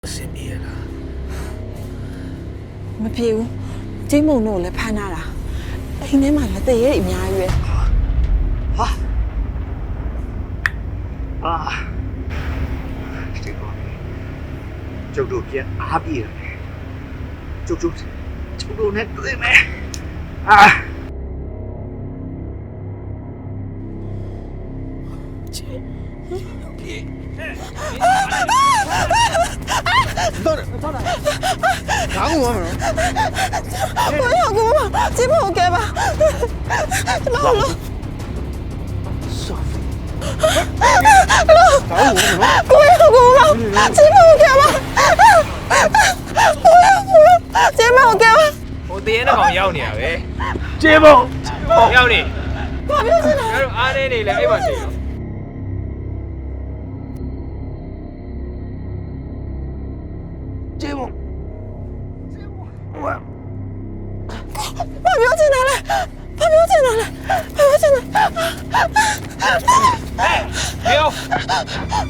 အဆင်ပြေလားမပြေဘူးကျိမုံတို့လည်းဖမ်းလာတာအိမ်ထဲမှာလက်သေးရဲ့အများကြီးပဲဟာအာဒီကောင်ကျုပ်တို့ပြန်အားပြေတယ်ကျုပ်တို့နဲ့တွေ့မယ်အာတော့ခေါင်းဝင်မလို့我要姑妈，ကျိမုံ给吧，ကျမလို့ဆောဖီခေါင်းဝင်မလို့我要姑妈，ကျိမုံ给吧，我要姑妈，ကျိမုံ给吧。 ဟိုတရေနဲ့ကောင်ရောက်နေရပဲကျေဖို့ရောက်နေဘာပြောချင်လဲငါတို့အားနေနေလဲအဲ့မှာနေရောကျေဖို့ဝါဘာပြောချင်လဲဘာပြောချင်လဲဘာပြောချင်လဲဟဲ့